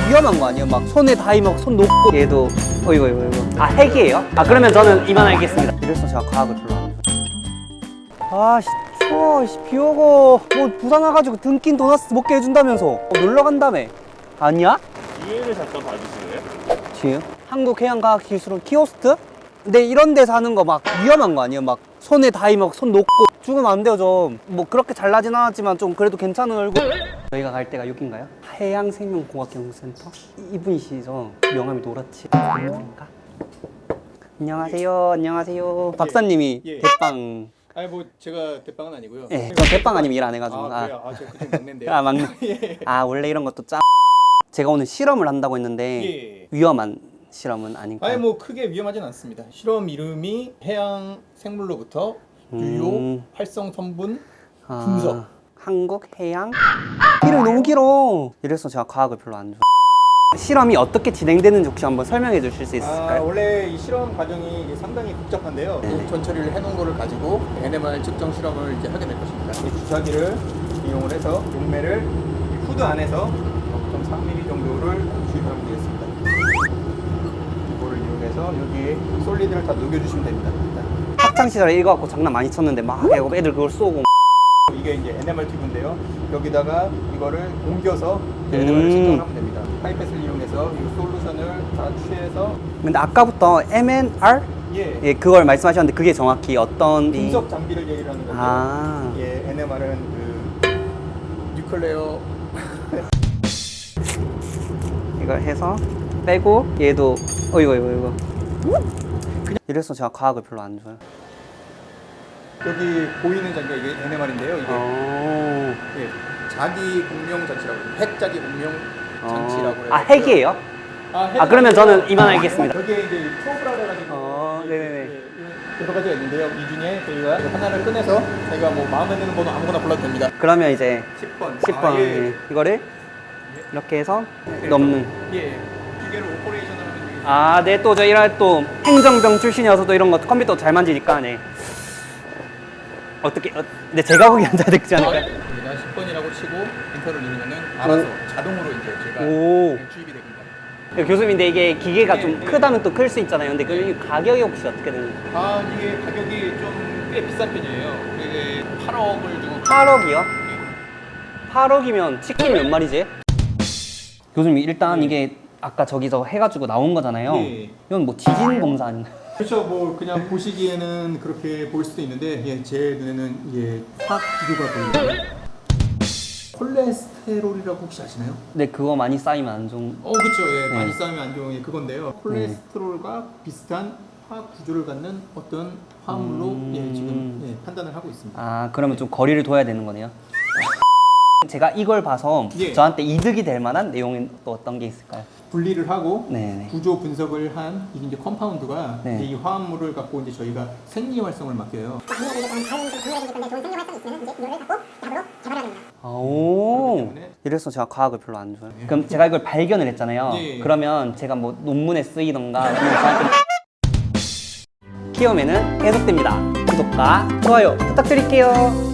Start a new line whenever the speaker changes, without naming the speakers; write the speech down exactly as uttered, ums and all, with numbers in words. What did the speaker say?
위험한 거 아니에요? 막 손에 닿이 막 손 놓고 얘도 어이구 이거 이거 아 핵이에요? 아 그러면 저는 이만하겠습니다. 이래서 제가 과학을 별로 안 좋아해요. 아씨 추워 씨, 비 오고 뭐 부산 와가지고 등긴 도넛 먹게 해준다면서 어, 놀러 간다며. 아니야?
뒤에를 잠깐 봐주실래요?
뒤에요? 한국해양과학기술원 키오스트? 근데 이런 데 사는 거 막 위험한 거 아니에요? 막 손에 닿이 막 손 놓고 죽으면 안 돼요. 좀 뭐 그렇게 잘나진 않았지만 좀 그래도 괜찮은 얼굴. 저희가 갈 데가 여긴가요? 해양생명공학연구센터? 이분이시죠? 명함이 노랗지? 인가? 안녕하세요. 안녕하세요. 박사님이
예.
대빵.
아니 뭐 제가 대빵은 아니고요.
예, 저 대빵 아니면 일 안 해가지고.
아 그래요? 아 제가 그때 막내인데요.
아 막내.
예.
아 원래 이런 것도 짜. 제가 오늘 실험을 한다고 했는데
예.
위험한 실험은 아닌가요?
아니 뭐 크게 위험하진 않습니다. 실험 이름이 해양 생물로부터 유효
음.
활성 성분
아,
분석.
한국 해양? 이름이 너무 길어. 이래서 제가 과학을 별로 안 좋아해요. 실험이 어떻게 진행되는지 혹시 한번 설명해 주실 수
아,
있을까요?
원래 이 실험 과정이 상당히 복잡한데요.
네네.
전 처리를 해놓은 거를 가지고 엔엠알 측정 실험을 이제 하게 될 것입니다. 이 주사기를 이용을 해서 용매를 이 후드 안에서 영 점 삼 밀리미터 정도를 주입하면 되겠습니다. 이거를 이용해서 여기에 솔리드를 다 녹여주시면 됩니다. 일단.
학창 시절에 이거 갖고 장난 많이 쳤는데 막 애들 그걸 쏘고.
이게 이제 엔엠알 튜브인데요. 여기다가 이거를 옮겨서
음.
엔엠알을 측정을 하면 됩니다. 파이펫을 이용해서 이 솔루션을 다 취해서
근데 아까부터 엠엔알?
예,
예, 그걸 말씀하셨는데 그게 정확히 어떤
분석 장비를 얘기를 하는 건데요.
아.
예, 엔엠알은 그 뉴클레어
이걸 해서 빼고 얘도 어이구 이거 이거 이래서 제가 과학을 별로 안 좋아해요.
여기 보이는 장비가 이게 엔엠알인데요. 이게
어...
예, 자기 공룡 장치라고 해요. 핵 자기 공룡 장치라고 해요.
아 핵이에요?
아, 핵은
아 그러면
아니고요.
저는 이만하겠습니다.
여기에 이제 프로브라고 가지고
어, 네네네.
예, 여러 가지가 있는데요. 이 중에 저희가 하나를 꺼내서 저희가 뭐 마음에 드는 번호 아무거나 불러도 됩니다.
그러면 이제
십 번.
십 번
아, 예.
예. 이거를 이렇게 해서 넣는.
예. 기계를 오퍼레이션을 하면 되겠습니다.
아, 네, 또 저 일할 또 행정병 출신이어서 또 이런 거 컴퓨터 잘 만지니까 네. 어떻게? 어, 근데 제가 거기 앉아야 되지 않을까요?
여기다 십 번이라고 치고 엔터를 누르면은 알아서 자동으로 이제 제가
오.
주입이 됩니다.
네, 교수님인데 이게 기계가
네,
좀
네.
크다면 또 클 수 있잖아요. 근데 그 가격이 혹시 어떻게 되는?
아 이게 가격이 좀 꽤 비싼 편이에요. 이게 팔억을 주고
팔억이요? 팔억이면 치킨 몇 마리지? 교수님 일단
네.
이게 아까 저기서 해가지고 나온 거잖아요.
네.
이건 뭐 지진 검사 아닌가요?
그렇죠. 뭐 그냥 보시기에는 그렇게 보일 수도 있는데 예, 제 눈에는 예, 화학 기교가 보이고요. 콜레스테롤이라고 혹시 아시나요?
근데 그거 많이 쌓이면 안 좋은.
어 그렇죠. 예,
네.
많이 쌓으면 안 좋은 게 그건데요. 콜레스테롤과 비슷한 화학 구조를 갖는 어떤 화합물로
음.
예, 지금 예, 판단을 하고 있습니다.
아 그러면 좀 거리를 둬야 되는 거네요. 제가 이걸 봐서
예.
저한테 이득이 될 만한 내용은 또 어떤 게 있을까요?
분리를 하고
네네.
구조 분석을 한 이게 이제 컴파운드가
네.
이제 이 화합물을 갖고 이제 저희가 생리 활성을 맡겨요.
아, 오.
그렇기 때문에-
이래서 제가 과학을 별로 안 좋아해요. 그럼 제가 이걸 발견을 했잖아요.
예.
그러면 제가 뭐 논문에 쓰이던가 아니면 저한테 키움에는 계속됩니다. 구독과 좋아요 부탁드릴게요.